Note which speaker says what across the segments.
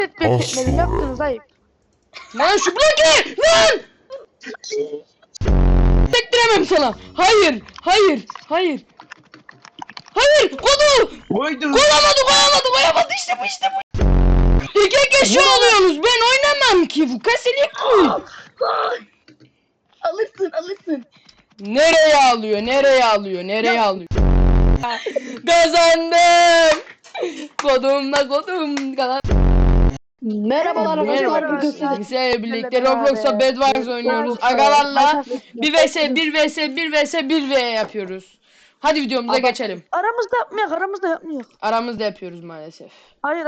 Speaker 1: Çekmedim yaptınız ayıp.
Speaker 2: Lan şu bloke! Lan! Sektiremem sana. Hayır, hayır, hayır. Hayır, kodu!
Speaker 3: Koydum.
Speaker 2: Koyamadı işte bu. İki kişi oluyorsunuz. Ben oynamam ki bu kasilik bu.
Speaker 4: Alırsın.
Speaker 2: Nereye alıyor? Kazandım. Kodum kazandım.
Speaker 4: Merhabalar arkadaşlar.
Speaker 2: Merhaba.
Speaker 4: Bugün size
Speaker 2: Bizlerle birlikte Roblox'a Bed Wars oynuyoruz. Agalarla 1 vs 1 yapıyoruz. Hadi videomuza geçelim.
Speaker 1: Aramızda yapmıyor.
Speaker 2: Aramızda yapıyoruz maalesef.
Speaker 1: Hayır.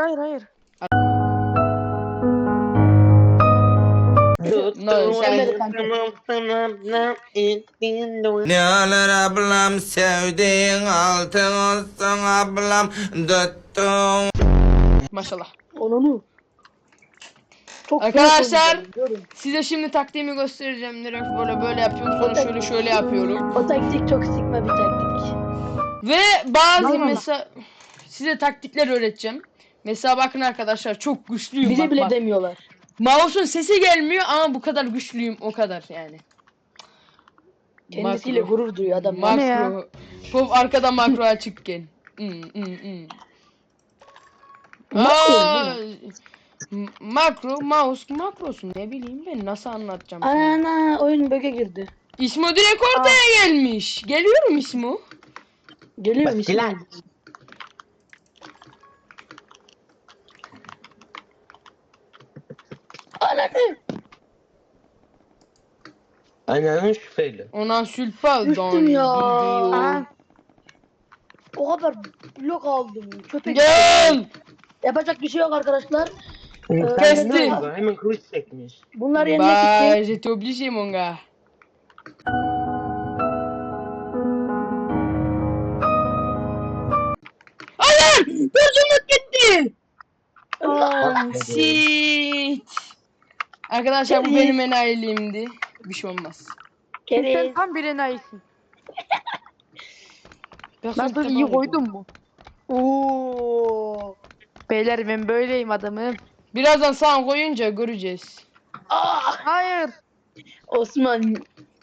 Speaker 3: Ne alır ablam sevdiğin altın olsun ablam tuttum.
Speaker 2: Maşallah.
Speaker 4: onu. Çok
Speaker 2: Arkadaşlar
Speaker 4: görün.
Speaker 2: size şimdi taktiğimi göstereceğim. Direkt böyle yapıyorum. Sonra şöyle yapıyorum.
Speaker 4: O taktik çok sıkma bir taktik.
Speaker 2: Ve bazı
Speaker 1: Vallahi.
Speaker 2: mesela size taktikler öğreteceğim. Mesela bakın arkadaşlar çok güçlüyüm.
Speaker 4: Bize
Speaker 2: bak,
Speaker 4: bile
Speaker 2: bak.
Speaker 4: demiyorlar.
Speaker 2: Mouse'un sesi gelmiyor ama bu kadar güçlüyüm o kadar yani.
Speaker 4: Kendisiyle
Speaker 2: Makro.
Speaker 4: gurur duyuyor adam.
Speaker 1: Ne ya?
Speaker 2: Makro. Pop arkada makro açıkken. Aa, makro, mouse, makrosun ne bileyim ben nasıl anlatacağım sana.
Speaker 4: Ana oyun bug'a girdi.
Speaker 2: İsmo direkt ortaya gelmiş. Geliyorum İsmo.
Speaker 4: Geliyor musun? Ananı.
Speaker 3: Ananın şüpheli.
Speaker 2: Ona sülfal
Speaker 4: Düştüm ya.
Speaker 1: Aha.
Speaker 4: O kadar blok aldım. Köpek.
Speaker 2: Gel.
Speaker 4: Yapacak bir şey yok arkadaşlar.
Speaker 2: Kesti.
Speaker 3: Hemen kılıç çekmiş.
Speaker 4: Bunlar yenmek
Speaker 2: Bah,
Speaker 4: için.
Speaker 2: j'étais obligé mon gars. Hayır! Gözümlük gitti! Sit. Arkadaşlar bu
Speaker 4: Keriz.
Speaker 2: benim enayiliğimdi. Bir şey olmaz.
Speaker 1: Sen
Speaker 4: Kere.
Speaker 1: tam bir enayisin.
Speaker 2: Personne
Speaker 1: Nasıl
Speaker 2: t'a
Speaker 1: iyi
Speaker 2: pas
Speaker 1: koydun mu? Oo. Beyler ben böyleyim adamım.
Speaker 2: Birazdan sağ koyunca göreceğiz.
Speaker 1: Hayır.
Speaker 4: Osman.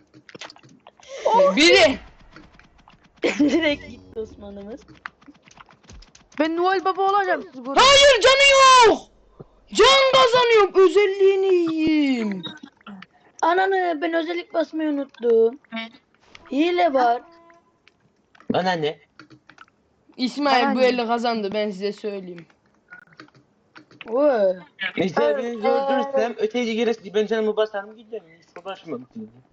Speaker 2: Biri.
Speaker 4: Direkt gitti Osman'ımız.
Speaker 1: Ben Noel Baba olacağım siz görün.
Speaker 2: Hayır canı yok. Can kazanıyorum. Özelliğini yiyeyim.
Speaker 4: Ananı ben özellik basmayı unuttum. Hile var.
Speaker 3: Bana ne?
Speaker 2: İsmail
Speaker 1: Bana
Speaker 2: bu
Speaker 1: ne?
Speaker 2: eli kazandı ben size söyleyeyim.
Speaker 4: Vay.
Speaker 3: Mesela beni öldürürsem öteki giresi ben canımı basarım giderim. Hiç uğraşmam.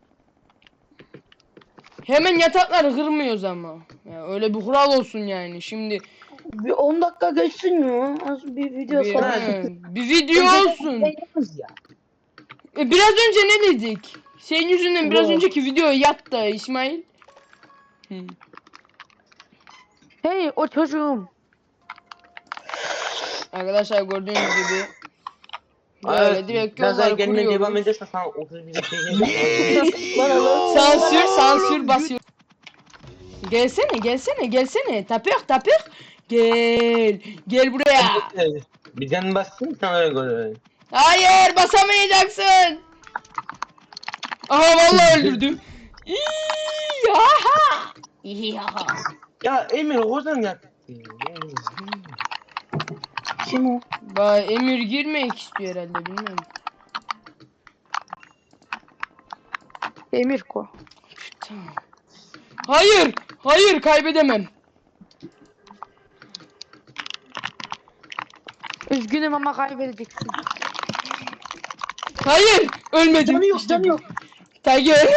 Speaker 2: Hemen yatakları kırmıyoruz ama. Ya öyle bir kural olsun yani. Şimdi
Speaker 4: Bir 10 dakika geçsin ya. Az bir video
Speaker 2: bir,
Speaker 4: sonra.
Speaker 2: bir video olsun.
Speaker 3: Ya.
Speaker 2: Biraz önce ne dedik? Senin yüzünden biraz
Speaker 4: Ne?
Speaker 2: önceki video yattı İsmail.
Speaker 1: Hey o çocuğum.
Speaker 2: Arkadaşlar gördüğünüz gibi böyle direkt
Speaker 3: Gaza
Speaker 2: yolları
Speaker 3: gelmeye devam
Speaker 2: kuruyoruz.
Speaker 3: edersen sana 31 şey
Speaker 4: Bana lan.
Speaker 2: Sansür basıyor. Gelsene. Tapır. Gel buraya.
Speaker 3: Bir can bassın sana öyle göre.
Speaker 2: Hayır basamayacaksın. Aha vallahi öldürdüm. İyaha. İyaha.
Speaker 3: Ya Emir oradan yattı.
Speaker 4: Kim o?
Speaker 2: Emir girmek istiyor herhalde bilmiyorum.
Speaker 1: Emir ko.
Speaker 2: Tamam. Hayır kaybedemem.
Speaker 1: Üzgünüm ama kaybedeceksin.
Speaker 2: Hayır ölmedim.
Speaker 4: Canı yok,
Speaker 2: İşte
Speaker 4: canı
Speaker 2: bu.
Speaker 4: yok.
Speaker 2: Tiger.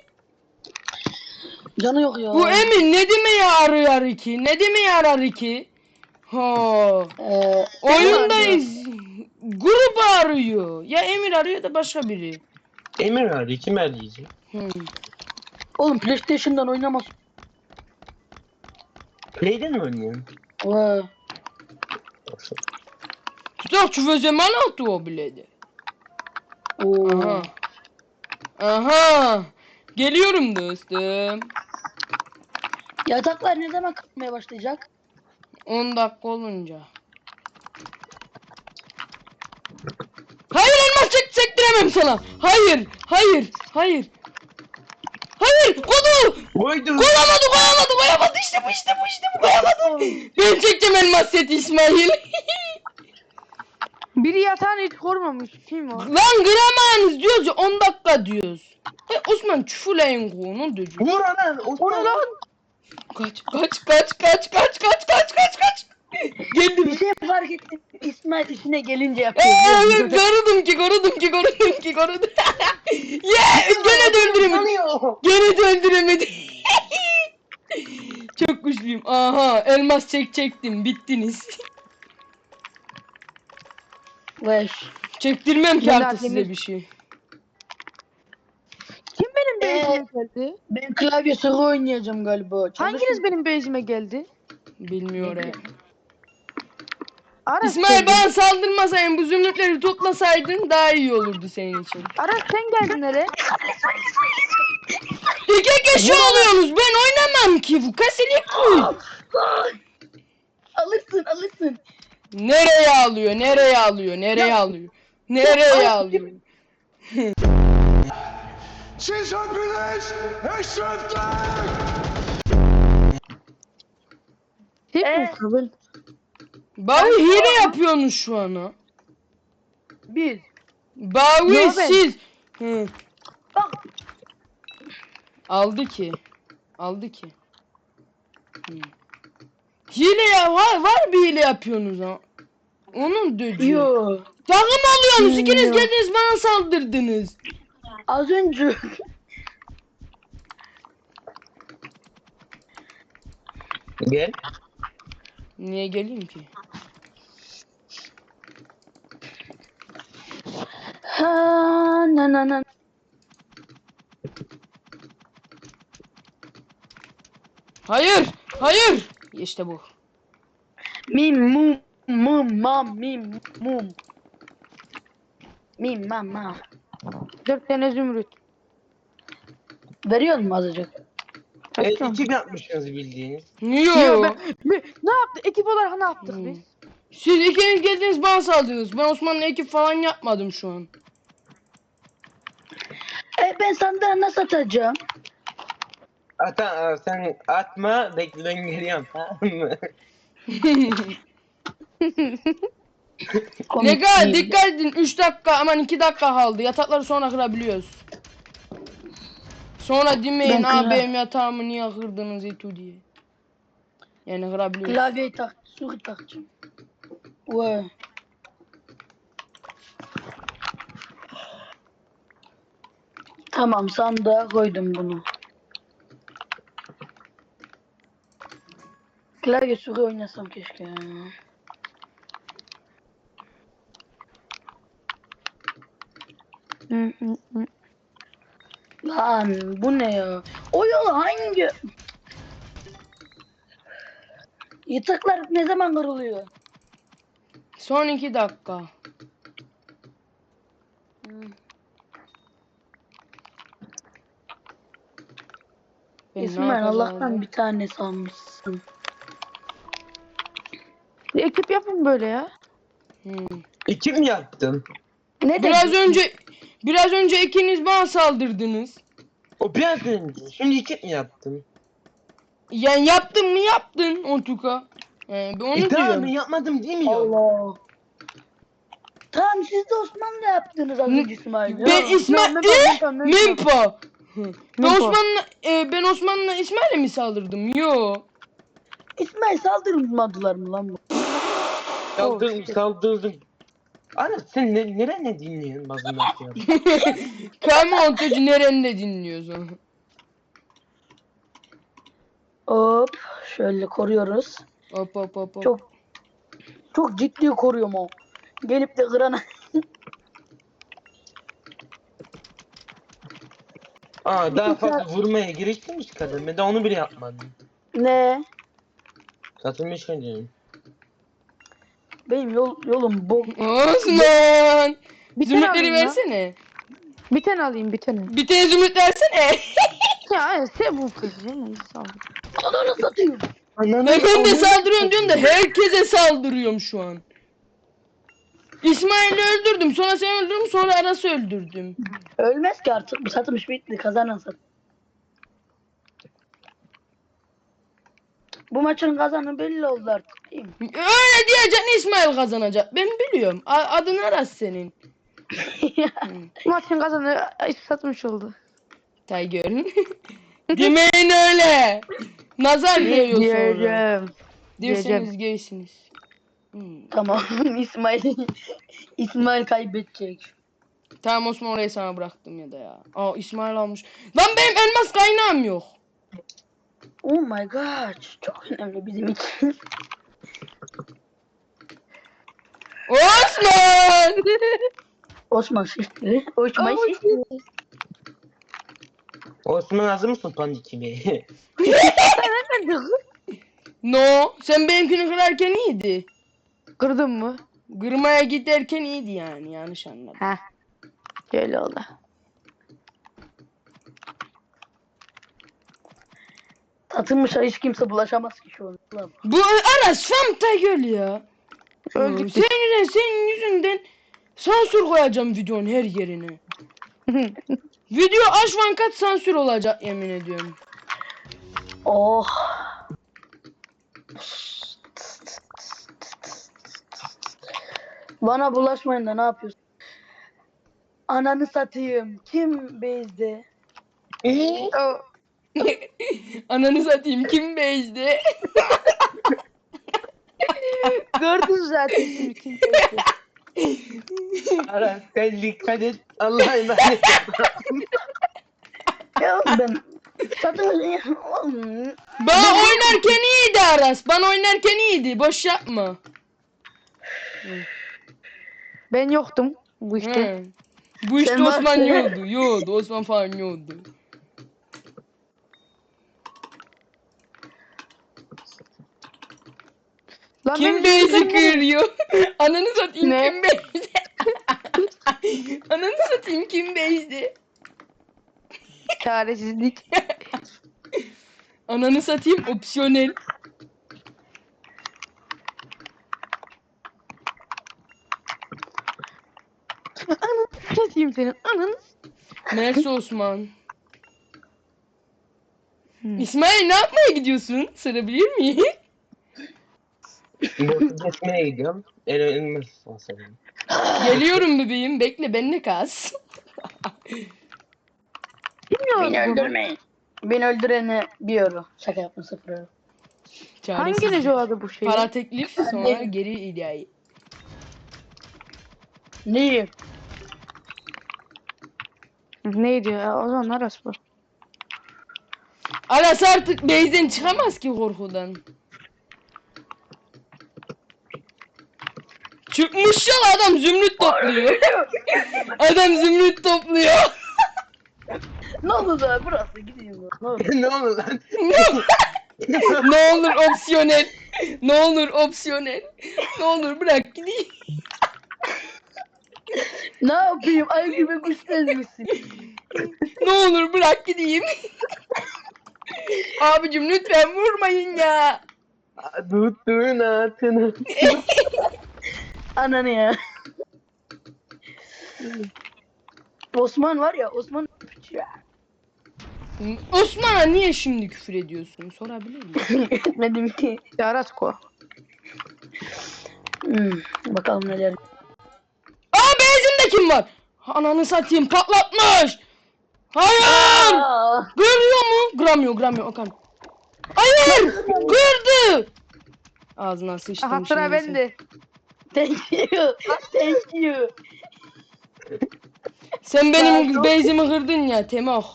Speaker 4: Canı yok ya.
Speaker 2: Bu Emin ne demeye arıyor ki? Ne demeye arar ki? Ha. Oyundayız. Grup arıyor. Ya Emir arıyor da başka biri.
Speaker 3: Emir arıyor kim arayacak?
Speaker 4: Oğlum PlayStation'dan oynamaz.
Speaker 3: Play'den mi oynuyorsun?
Speaker 4: Vay.
Speaker 2: Tutak tu faisais malin toi bled.
Speaker 4: Oo.
Speaker 2: Aha. Geliyorum dostum.
Speaker 4: Yataklar ne zaman kalkmaya başlayacak?
Speaker 2: 10 dakika olunca. diyorum sana. Hayır. Hayır. Hayır. Hayır. Kodu.
Speaker 3: Koydu.
Speaker 2: Koyamadı. İşte bu koyamadı. Ben çekeceğim elmas seti İsmail.
Speaker 1: Biri yatağını hiç korumamış. Kim o?
Speaker 2: Lan gramanız diyoruz ya 10 dakika diyoruz. Osman çufulayın konu diyor.
Speaker 3: Vur lan.
Speaker 1: O ne lan?
Speaker 2: Kaç. Geldim.
Speaker 4: Bir şey fark ettim. İsmail işine gelince yapıyor.
Speaker 2: Korudum ki. Gene de öldüremedi. Çok güçlüyüm. Aha elmas çektim. Bittiniz.
Speaker 4: Beş.
Speaker 2: Çektirmem ki
Speaker 1: Neler
Speaker 2: artık size
Speaker 1: demir-
Speaker 2: bir şey.
Speaker 1: Kim benim base'ime geldi?
Speaker 4: Ben klavye sıra oynayacağım galiba.
Speaker 1: Hanginiz benim base'ime geldi?
Speaker 2: Bilmiyorum.
Speaker 1: Aras
Speaker 2: İsmail
Speaker 1: geldi.
Speaker 2: bana saldırmasaydın bu zümrütleri toplasaydın daha iyi olurdu senin için.
Speaker 1: Aras sen geldin nereye?
Speaker 2: İki kişi oluyorsunuz ben oynamam ki bu kaselik koy.
Speaker 4: Alırsın.
Speaker 2: Nereye alıyor?
Speaker 5: Siz hepiniz eşrefler!
Speaker 1: Tek mi?
Speaker 4: Kabul.
Speaker 2: Bavi hile yapıyorsunuz şu an ha.
Speaker 1: Bir.
Speaker 2: Bavi
Speaker 1: Yo, ben-
Speaker 2: siz. Hı.
Speaker 4: Bak.
Speaker 2: Aldı ki. Hı. Hile ya var bir hile yapıyorsunuz ha. Onun döcü.
Speaker 4: Yo.
Speaker 2: Takım alıyorsunuz ikiniz
Speaker 4: Yo.
Speaker 2: geldiniz bana saldırdınız.
Speaker 4: Az önce.
Speaker 3: Gel.
Speaker 2: Niye geleyim ki?
Speaker 4: Ha na.
Speaker 2: Hayır. İşte bu.
Speaker 4: Mim mum. Mim mama.
Speaker 1: 4 tane zümrüt.
Speaker 4: Veriyor mu azıcık?
Speaker 1: Kaçıyorum.
Speaker 3: Ekip yapmışsınız bildiğiniz.
Speaker 2: Yo.
Speaker 1: Ne yaptık? Ekip olarak ne yaptık
Speaker 2: Hmm.
Speaker 1: biz?
Speaker 2: Siz ikiniz geldiniz bana saldırdınız. Ben Osman'la ekip falan yapmadım şu an.
Speaker 4: Ben sandığa nasıl atacağım?
Speaker 3: Sen atma bekle ben geliyorum tamam mı?
Speaker 2: Ne kadar
Speaker 4: değil.
Speaker 2: dikkat edin 3 dakika aman 2 dakika kaldı. Yatakları sonra kırabiliyoruz. Sonra demeyin
Speaker 4: Ben kırar-
Speaker 2: benim yatağımı niye kırdınız itu diye. Yani kırabiliyoruz.
Speaker 4: Klavyeyi suri takacağım. Vay. Tamam sandığa koydum bunu. Klavye suri oynasam keşke. Lan bu ne ya? O yol hangi? Yataklar ne zaman kırılıyor?
Speaker 2: Son 2 dakika. Ben ne
Speaker 4: İsmail
Speaker 2: yapacağım
Speaker 4: Allah'tan
Speaker 2: abi?
Speaker 4: bir tane salmışsın.
Speaker 1: Bir ekip yapın böyle ya.
Speaker 2: Hmm.
Speaker 3: Ekip mi yaptın?
Speaker 4: Ne
Speaker 2: Biraz önce ikiniz bana saldırdınız.
Speaker 3: O biraz önce. Şimdi ekip mi yaptın?
Speaker 2: Yani yaptın mı yaptın Ontuka. Ben onu
Speaker 3: Tamam
Speaker 2: diyorum.
Speaker 3: ben yapmadım değil mi ya?
Speaker 4: Allah. Tamam siz de Osmanlı yaptınız az önce İsmail.
Speaker 2: Ben İsmail
Speaker 1: Mempa.
Speaker 2: Mempa.
Speaker 1: Mempa.
Speaker 2: Ben Osman'la İsmail'e mi saldırdım? Yo.
Speaker 4: İsmail saldırmadılar mı lan bu?
Speaker 3: Saldırdım. Ana sen ne dinliyorsun bazında şey yap.
Speaker 2: Kayma Ontucu nerede dinliyorsun?
Speaker 4: Hop şöyle koruyoruz.
Speaker 2: Hop.
Speaker 4: Çok ciddi koruyorum o. Gelip de kırana.
Speaker 3: Daha fazla vurmaya giriştirmiş kadın. Ben de onu bile yapmadım.
Speaker 4: Ne?
Speaker 3: Satılmış önce.
Speaker 4: Benim yolum bok.
Speaker 2: Osman.
Speaker 1: Bir tane
Speaker 2: Zümrütleri
Speaker 1: alayım ya.
Speaker 2: versene.
Speaker 1: Bir tane alayım bir tane.
Speaker 2: Bir tane zümrüt versene.
Speaker 1: Ya sen bu kız ya. Neyse, sağ ol.
Speaker 4: Ananı satayım.
Speaker 2: Ben de saldırıyorum diyorum da herkese saldırıyorum şu an. İsmail'i öldürdüm. Sonra seni öldürdüm. Sonra Aras'ı öldürdüm.
Speaker 4: Ölmez ki artık. Bu satılmış bitti. Kazanan sat. Bu maçın kazanı belli oldu artık değil mi?
Speaker 2: Öyle diyeceksin, İsmail kazanacak. Ben biliyorum. Adın Aras senin.
Speaker 1: Maçın kazanı satmış oldu.
Speaker 2: Tiger. Demeyin öyle. Nazar değiyor sonra.
Speaker 1: Diyeceğim.
Speaker 2: Derseniz geçsiniz.
Speaker 4: Tamam. İsmail kaybedecek.
Speaker 2: Tamam Osman, orayı sana bıraktım ya da ya. Aa, İsmail almış. Lan benim elmas kaynağım yok.
Speaker 4: Oh my god. Çok önemli bizim için.
Speaker 2: Osman!
Speaker 4: Osman şişti. Osman şişti.
Speaker 3: Osman hazır mısın pandik gibi?
Speaker 2: No, sen benimkini kırarken iyiydi.
Speaker 1: Kırdın mı?
Speaker 2: Kırmaya giderken iyiydi yani, yanlış anladım.
Speaker 1: Heh. Şöyle oldu.
Speaker 4: Satılmışa hiç kimse bulaşamaz ki şu an. Ulan.
Speaker 2: Bu Aras Fanta göl ya.
Speaker 1: Öldük biz.
Speaker 2: Senin yüzünden sansür koyacağım videonun her yerine. Video aşvan kaç sansür olacak yemin ediyorum.
Speaker 4: Oh. Bana bulaşmayın da ne yapıyorsun? Ananı satayım. Kim bezdi?
Speaker 1: O-
Speaker 2: Ananı satayım, kim bezdi?
Speaker 1: Gördün zaten şimdi kim bezdi.
Speaker 3: Aras sen dikkat et. Allah'a emanet.
Speaker 4: Ya oğlum ben satılmış.
Speaker 2: Bana oynarken iyiydi Aras. Bana oynarken iyiydi. Boş yapma.
Speaker 1: Ben yoktum bu işte.
Speaker 2: He. Bu işte
Speaker 4: Sen
Speaker 2: Osman
Speaker 4: varsın.
Speaker 2: yiyordu. Yiyordu. Osman falan yiyordu.
Speaker 1: Lan
Speaker 2: Kim
Speaker 1: beni
Speaker 2: bezi
Speaker 1: öldürme.
Speaker 2: kırıyor? Ananı satayım,
Speaker 1: Ne?
Speaker 2: kim bezi? Ananı satayım, kim bezi?
Speaker 1: Çaresizlik.
Speaker 2: Ananı satayım, opsiyonel.
Speaker 1: Ananı satayım senin. Ananı.
Speaker 2: Mersi Osman.
Speaker 1: Hmm.
Speaker 2: İsmail, ne yapmaya gidiyorsun? Sorabilir miyim?
Speaker 3: Botu kesmeye gidiyorum. Elmas olsa benim.
Speaker 2: Geliyorum bebeğim, bekle, benimle kas.
Speaker 4: Beni öldürmeyin. Beni öldürene 1 euro. Şaka yapma 0 euro.
Speaker 2: Çaresiz.
Speaker 1: Hanginiz yolladı bu şeyi?
Speaker 2: Para teklif, sonra geri iddiayı.
Speaker 4: Neyim?
Speaker 1: Neydi ya? O zaman Aras bu.
Speaker 2: Aras artık base'den çıkamaz ki korkudan. Çıkmış ya, adam zümrüt topluyor. Adam zümrüt topluyor.
Speaker 4: Ne oldu da burası gideyim. Ne oldu?
Speaker 3: Ne oldu lan?
Speaker 2: Ne olur opsiyonel. Ne olur opsiyonel. Ne olur bırak gideyim.
Speaker 4: Ne yapayım? Ay gibi kuş misin?
Speaker 2: Ne olur bırak gideyim. Abicim lütfen vurmayın ya.
Speaker 3: Tuttuğun atını.
Speaker 4: Ananı ya. Osman var ya Osman ya.
Speaker 2: Osman'a niye şimdi küfür ediyorsun? Sorabilir miyim?
Speaker 4: Etmedim ki.
Speaker 1: Aras ko.
Speaker 4: Bakalım neler.
Speaker 2: Aa, base'imde kim var? Ananı satayım, patlatmış. Hayır.
Speaker 4: Aa,
Speaker 2: Görüyor mu? Kıramıyor Okan. Hayır! Kırdı! Ağzına sıçtım
Speaker 1: Aha sıra
Speaker 2: şimdi sen.
Speaker 1: bende.
Speaker 4: thank you. Thank you.
Speaker 2: Sen benim
Speaker 4: Ya, çok-
Speaker 2: base'imi kırdın ya Temoh.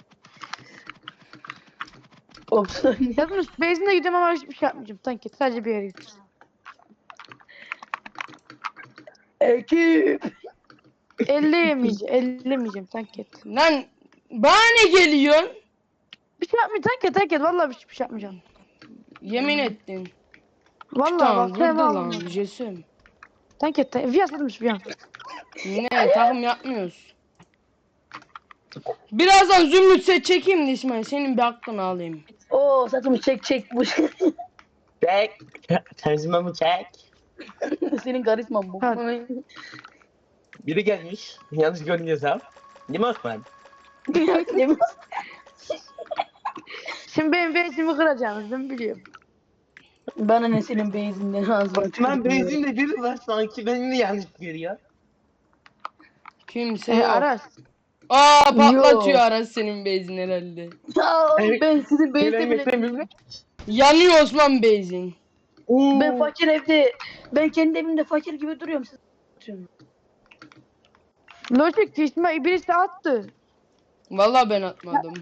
Speaker 4: Opsiyon.
Speaker 1: Yazmış base'ine gideceğim ama hiçbir şey yapmayacağım. Sanki sadece bir yere gideceğim.
Speaker 4: Ekip.
Speaker 1: Ellemeyeceğim sanki.
Speaker 2: Lan bana ne geliyorsun?
Speaker 1: Bir şey yapmayacağım sanki. Vallahi hiçbir şey yapmayacağım.
Speaker 2: Yemin ettin.
Speaker 1: Vallahi
Speaker 2: Tamam
Speaker 1: bak.
Speaker 2: kırdı
Speaker 1: Sen
Speaker 2: lan
Speaker 1: lan.
Speaker 2: Jesem.
Speaker 1: Sanki via satmış bir an.
Speaker 2: Ne takım yapmıyoruz. Birazdan zümrüt set çekeyim de İsmail, senin bir hakkını alayım.
Speaker 4: Oo satım çek bu.
Speaker 3: Çek. Terzime mi çek?
Speaker 4: Senin karizman bu.
Speaker 1: Ha.
Speaker 3: Biri gelmiş. Yanlış görünüyorsam. Değil mi Osman?
Speaker 4: Değil mi?
Speaker 1: Şimdi benim bezimi kıracağınızı biliyorum.
Speaker 4: Bana ne senin beyizinden ağzına
Speaker 3: Osman
Speaker 4: tükürüyorum.
Speaker 3: benzinle biri var sanki benimle yanlış görüyor.
Speaker 2: Kimse yok.
Speaker 1: Aras.
Speaker 2: Aa patlatıyor
Speaker 4: Yok.
Speaker 2: Aras senin bezin herhalde.
Speaker 4: Ya oğlum
Speaker 3: Evet.
Speaker 4: ben sizin beyizde
Speaker 3: Benim
Speaker 4: bile
Speaker 3: ekran
Speaker 4: değilim.
Speaker 2: Yanıyor Osman bezin.
Speaker 4: Ben fakir evde, ben kendi evimde fakir gibi duruyorum. Siz
Speaker 1: Logic İsmail birisi attı.
Speaker 2: Vallahi ben atmadım.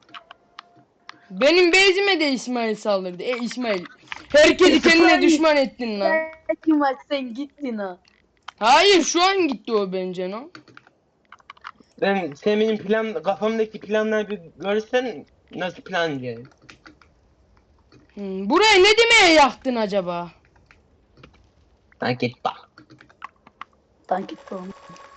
Speaker 2: Benim bezime de İsmail saldırdı. İsmail. Herkesi kendine
Speaker 4: İsmail.
Speaker 2: düşman ettin lan.
Speaker 4: kim var sen gittin ha.
Speaker 2: Hayır şu an gitti o bence no.
Speaker 3: Sen benim kafamdaki planları bir görsen nasıl plan diye.
Speaker 2: Burayı ne demeye yaktın acaba?
Speaker 3: Ha git bak.
Speaker 4: Tank etti onu.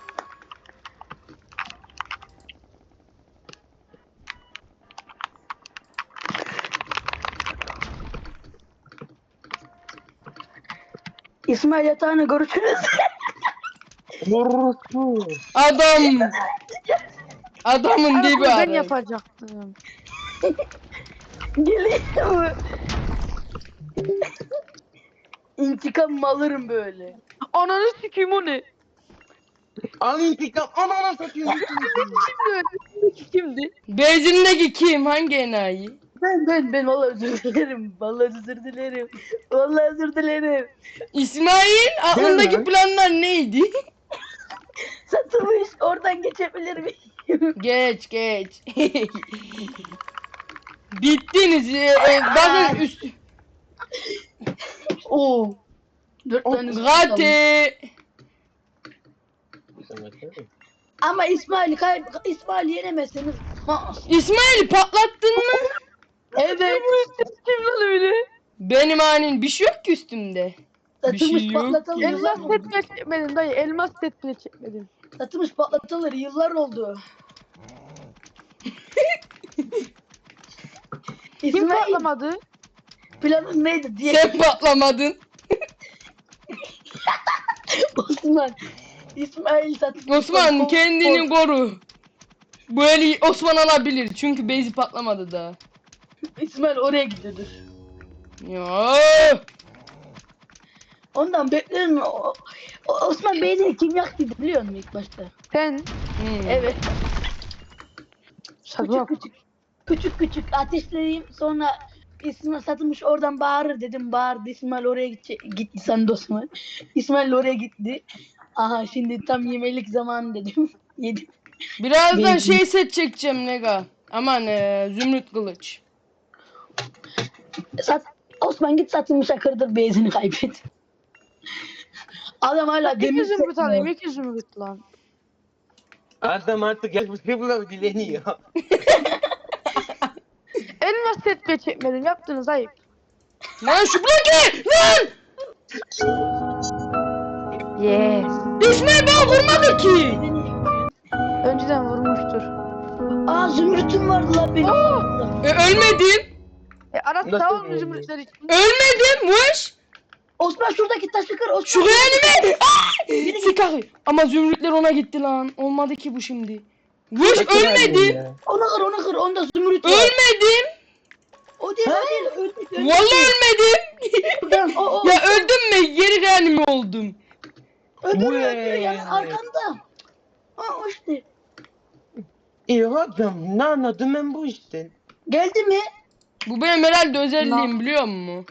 Speaker 4: İsmail yatağını görüşürüz.
Speaker 3: Vurursun.
Speaker 2: Adam. Adamın
Speaker 1: Aras
Speaker 2: dibi
Speaker 1: ben
Speaker 2: Aras.
Speaker 1: yapacaktım.
Speaker 4: Geliyor. İntikam alırım böyle.
Speaker 1: Ananı sikeyim o ne?
Speaker 3: Al intikam. Anana satayım.
Speaker 1: Kimdi?
Speaker 2: Bezimdeki kim? Hangi enayi?
Speaker 4: Ben vallahi özür dilerim. Vallahi özür dilerim. Vallahi özür dilerim.
Speaker 2: İsmail aklındaki
Speaker 3: Gel lan.
Speaker 2: planlar neydi?
Speaker 4: Satılmış. Oradan geçebilir miyim?
Speaker 2: Geç geç. Bittiniz. Bakın üst.
Speaker 4: Oo. 4 tane
Speaker 2: Gate.
Speaker 4: Ama İsmail yenemezseniz. Ha,
Speaker 2: İsmail patlattın mı?
Speaker 4: evet.
Speaker 1: Kim lan öyle?
Speaker 2: Benim hanin bir şey yok ki üstümde. Bir şey
Speaker 4: Satılmış
Speaker 2: yok
Speaker 4: patlatalı
Speaker 2: ki.
Speaker 4: yıllar
Speaker 1: Elmas
Speaker 4: oldu.
Speaker 1: set bile çekmedim dayı. Elmas set bile çekmedim.
Speaker 4: Satılmış patlatalı yıllar oldu.
Speaker 1: Kim
Speaker 4: İsmail
Speaker 1: patlamadı?
Speaker 4: planın neydi diye
Speaker 2: Sen patlamadın.
Speaker 4: Osman. İsmail satılmış.
Speaker 2: Osman kendini koru. Bu eli Osman alabilir çünkü bezi patlamadı daha.
Speaker 4: İsmail oraya gidiyordur.
Speaker 2: Ya.
Speaker 4: Ondan bekliyorum. Osman Bey'de kim yaktıydı biliyor musun ilk başta?
Speaker 1: Sen.
Speaker 4: Evet.
Speaker 1: Şaka yap.
Speaker 4: Küçük ateşleyeyim sonra İsmail satılmış oradan bağırır dedim bağırdı İsmail oraya gitti sen de Osman. İsmail oraya gitti. Aha şimdi tam yemelik zamanı dedim. Yedim.
Speaker 2: Birazdan
Speaker 4: Bezi.
Speaker 2: şey set çekeceğim Nega. Aman zümrüt kılıç.
Speaker 4: Osman git satılmışa kırdır bezini kaybet. Adam hala demir
Speaker 1: İki zümrüt
Speaker 4: set
Speaker 1: alayım.
Speaker 4: mi?
Speaker 1: 2 zümrüt lan.
Speaker 3: Adam artık yakışıklı dileniyor.
Speaker 1: Elmas set bile çekmedim. Yaptınız ayıp.
Speaker 2: Lan şu bloke! Lan!
Speaker 1: Yes.
Speaker 2: İsmail bana vurmadı ki.
Speaker 1: Önceden vurmuştur.
Speaker 4: Aa zümrütüm vardı lan benim.
Speaker 2: Ölmedim.
Speaker 1: Aras
Speaker 3: Nasıl
Speaker 1: sağ olun
Speaker 3: oldu?
Speaker 1: zümrütler için.
Speaker 2: Ölmedim. Vuş.
Speaker 4: Osman şuradaki taşı kır. Osman.
Speaker 2: Şuraya önüme. Sikahı. Ama zümrütler ona gitti lan. Olmadı ki bu şimdi. Vuş ölmedim.
Speaker 4: Onu kır. Onda zümrüt var.
Speaker 2: Ölmedim.
Speaker 4: O değil. Öldük.
Speaker 2: Vallahi ölmedim.
Speaker 4: Buradan, o.
Speaker 2: Ya öldüm mü? Geri reanime oldum.
Speaker 4: Öldür
Speaker 3: Vay.
Speaker 4: yani arkanda. Ha o işte.
Speaker 3: İyi adam ne anladım ben bu işten.
Speaker 4: Geldi mi?
Speaker 2: Bu benim herhalde özelliğim biliyor musun?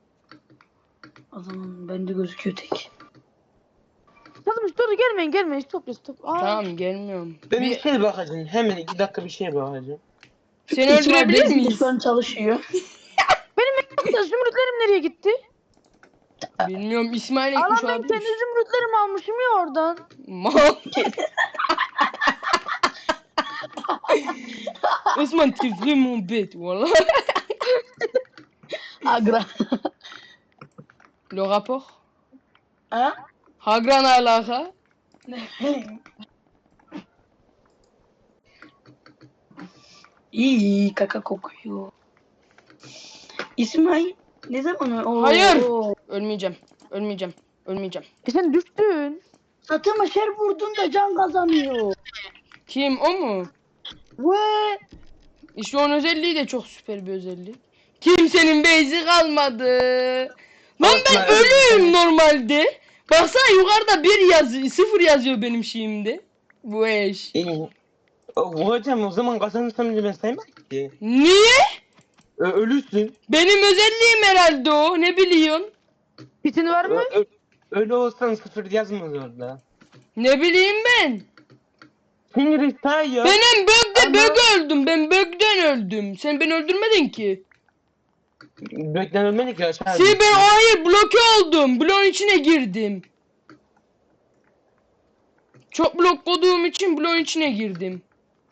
Speaker 4: O zaman bende gözüküyor tek.
Speaker 1: Satılmış dur gelmeyin. Stop. Aa.
Speaker 2: Tamam gelmiyorum.
Speaker 3: Ben bir şey bakacağım. Hemen 2 dakika bir şey bakacağım.
Speaker 2: Seni öldürebilir miyiz?
Speaker 4: Şu an çalışıyor.
Speaker 1: Ya zümrütlerim nereye gitti?
Speaker 2: Bilmiyorum İsmail
Speaker 1: Alan
Speaker 2: ekmiş
Speaker 1: ben
Speaker 2: olabilir.
Speaker 1: kendi zümrütlerimi almışım ya oradan.
Speaker 2: Mal. Osman t'es vraiment bête, voilà.
Speaker 4: Agra.
Speaker 2: Le rapport?
Speaker 4: Ha?
Speaker 2: Hagran alaka?
Speaker 4: İyi kaka kokuyor. İsmail ne zaman o?
Speaker 2: Hayır.
Speaker 4: o-
Speaker 2: Ölmeyeceğim. Ölmeyeceğim.
Speaker 1: Sen düştün.
Speaker 4: Satılmış her vurduğunda can kazanıyor.
Speaker 2: Kim, o mu?
Speaker 4: Ve
Speaker 2: İşte onun özelliği de çok süper bir özellik. Kimsenin base'i kalmadı. Lan ben
Speaker 3: Atma,
Speaker 2: ölüyüm normalde. Baksana yukarıda 1 yazıyor, 0 yazıyor benim şeyimde. Bu eş.
Speaker 3: Hocam o zaman kazanırsam ben saymam ki.
Speaker 2: Niye?
Speaker 3: Ölürsün.
Speaker 2: Benim özelliğim herhalde o. Ne biliyorsun?
Speaker 1: Bitin var mı?
Speaker 3: Ölü olsan 0 yazmaz orada.
Speaker 2: Ne bileyim ben.
Speaker 3: Sinir sayıyor.
Speaker 2: Ben hem bögde
Speaker 3: Ama-
Speaker 2: bög öldüm. Ben bögden öldüm. Sen beni öldürmedin ki.
Speaker 3: Beklen ölmedik ya aşağı.
Speaker 2: Ben hayır bloke oldum. Bloğun içine girdim. Çok blok koduğum için bloğun içine girdim.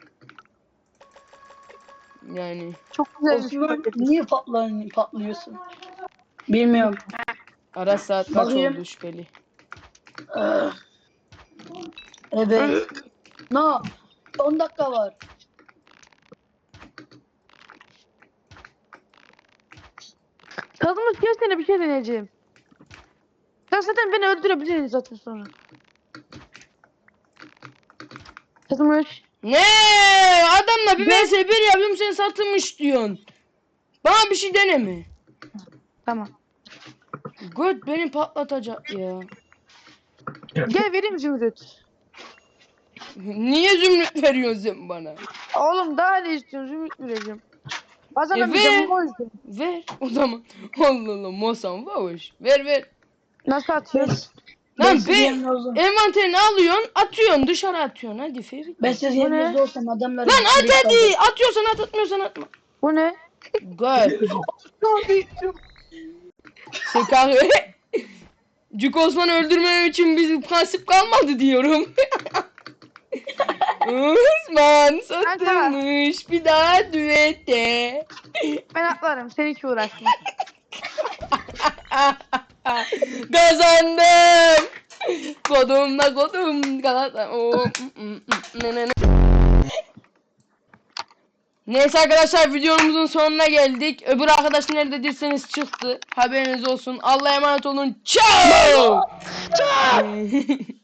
Speaker 2: Yani
Speaker 1: Çok güzel bir
Speaker 4: Osman
Speaker 1: şey.
Speaker 4: niye patlıyorsun? Bilmiyorum.
Speaker 2: ara saat kaç
Speaker 4: Bakayım.
Speaker 2: oldu şüpheli.
Speaker 4: Ah. Evet. No. 10 dakika var.
Speaker 1: Kazımız gelsene bir şey deneyeceğim. Sen zaten beni öldürebilirsin zaten sonra. Kazımız.
Speaker 2: Ne? Adamla bir vs 1 yapıyorum sen satılmış diyorsun. Bana bir şey deneme.
Speaker 1: Tamam.
Speaker 2: Göt beni patlatacak ya.
Speaker 1: Gel vereyim Zümrüt.
Speaker 2: Niye zümrüt veriyorsun sen bana?
Speaker 1: Oğlum daha ne istiyorsun Zümrüt vereceğim. Bazen
Speaker 2: ver.
Speaker 1: bir canım o yüzden.
Speaker 2: Ver o zaman. Allah Allah Mosan vavuş. Ver.
Speaker 1: Nasıl atıyorsun?
Speaker 2: Lan
Speaker 4: sizin
Speaker 2: be
Speaker 4: yerinizde olsam.
Speaker 2: envanterini alıyorsun atıyorsun dışarı atıyorsun hadi Ferit.
Speaker 4: Ben sizin
Speaker 1: Bu ne?
Speaker 4: yerinizde olsam adamları...
Speaker 2: Lan at hadi atıyorsan at atmıyorsan atma.
Speaker 1: Bu ne?
Speaker 2: Göt. Sen kahve. Cük Osman'ı öldürmem için bizim prensip kalmadı diyorum. Osman satılmış bir daha düete.
Speaker 1: Ben atlarım. Sen hiç uğraşma.
Speaker 2: Kazandım. Kodum Galata. Neyse arkadaşlar videomuzun sonuna geldik. Öbür arkadaş nerede değilseniz çıktı. Haberiniz olsun. Allah'a emanet olun. Ciao.